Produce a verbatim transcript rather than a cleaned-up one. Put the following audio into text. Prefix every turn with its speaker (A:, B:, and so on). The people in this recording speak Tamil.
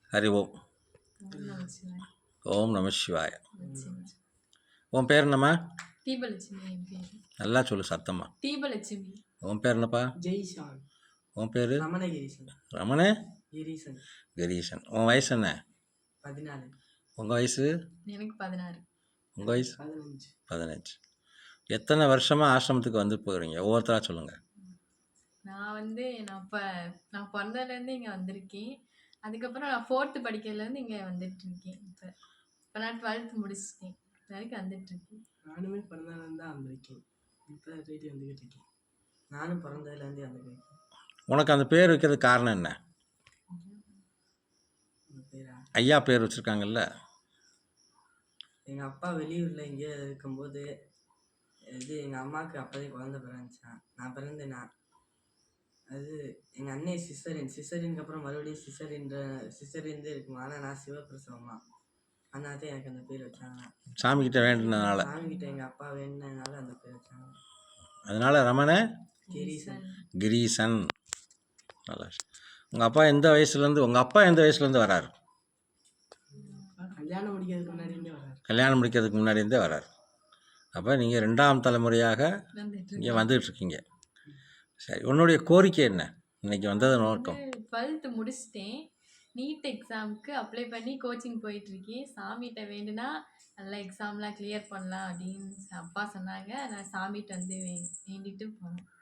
A: ஹரி ஓம்.
B: ஓம் நம சிவாய.
A: ஓம் நம சிவாய.
B: நிச்சயமா.
A: உன் பேர் என்னம்மா?
B: தீபலட்சுமி என் பேரு.
A: நல்லா சொல்லு சத்தம்மா.
B: தீபலட்சுமி.
A: உன் பேர் என்னப்பா?
C: ஜெய்ஷான்.
A: உன் பேர்?
C: ரமணகிரீசன்.
A: ரமண
C: கிரீசன்.
A: கிரீசன். உன் வயசு என்ன?
C: பதினாலு.
A: உங்கள் வயசு?
B: எனக்கு பதினாறு.
A: உங்கள் வயசு?
C: பதினஞ்சு.
A: பதினஞ்சு. எத்தனை வருஷமாக ஆசிரமத்துக்கு வந்து போகிறீங்க? ஒவ்வொருத்தராக சொல்லுங்கள்.
B: நான் வந்து நான் இப்போ நான் பிறந்ததுலேருந்து இங்கே வந்திருக்கேன். அதுக்கப்புறம் நான் ஃபோர்த்து படிக்கிறதுலேருந்து இங்கே வந்துட்டு இருக்கேன். இப்போ இப்போ நான் டுவெல்த் முடிச்சிட்டேன். இது வரைக்கும் வந்துட்டு இருக்கேன்.
C: நானுமே பிறந்ததுலேருந்து தான் வந்திருக்கேன். இப்போ ரேடி வந்துக்கிட்டு இருக்கேன். நானும் பிறந்ததுலேருந்தே வந்துருக்கேன்.
A: உனக்கு அந்த பேர் வைக்கிறதுக்கு காரணம் என்ன?
C: உங்கள் பேரா?
A: ஐயா பேர் வச்சுருக்காங்கல்ல.
C: எங்கள் அப்பா வெளியூரில் எங்கேயோ இருக்கும்போது இது எங்கள் அம்மாவுக்கு அப்போதே குழந்தை பிறந்துச்சான். நான் பிறந்தேனா அது எங்கள் அண்ணே சிசரின் சிசரினுக்கு அப்புறம் மறுபடியும் சிசரின்ற சிசரின்தே இருக்குமா. ஆனால் நான் சிவபிரசவமா. அதனால தான் எனக்கு அந்த பேர் வச்சாங்க.
A: சாமிக்கிட்ட வேண்டினதுனால.
C: சாமிக்கிட்ட எங்கள் அப்பா வேண்டினதுனால அந்த பேர் வச்சாங்க.
A: அதனால் ரமண
C: கிரீசன்.
A: கிரீசன். நல்லா. உங்கள் அப்பா எந்த வயசுலேருந்து உங்கள் அப்பா எந்த வயசுலேருந்து வராரு?
C: கல்யாணம் முடிக்கிறதுக்கு முன்னாடியே வராரு.
A: கல்யாணம் முடிக்கிறதுக்கு முன்னாடி இருந்தே வராரு. அப்போ நீங்கள் ரெண்டாம் தலைமுறையாக இங்கே வந்துகிட்ருக்கீங்க. சரி, உன்னுடைய கோரிக்கை என்ன இன்னைக்கு வந்தது நோக்கம்?
B: டுவெல்த்து முடிச்சிட்டேன். நீட் எக்ஸாமுக்கு அப்ளை பண்ணி கோச்சிங் போயிட்டுருக்கேன். சாமிகிட்ட வேண்டுனா நல்லா எக்ஸாம்லாம் கிளியர் பண்ணலாம் அப்படின்னு அப்பா சொன்னாங்க. நான் சாமிகிட்ட வந்து வே வேண்டிட்டு போனேன்.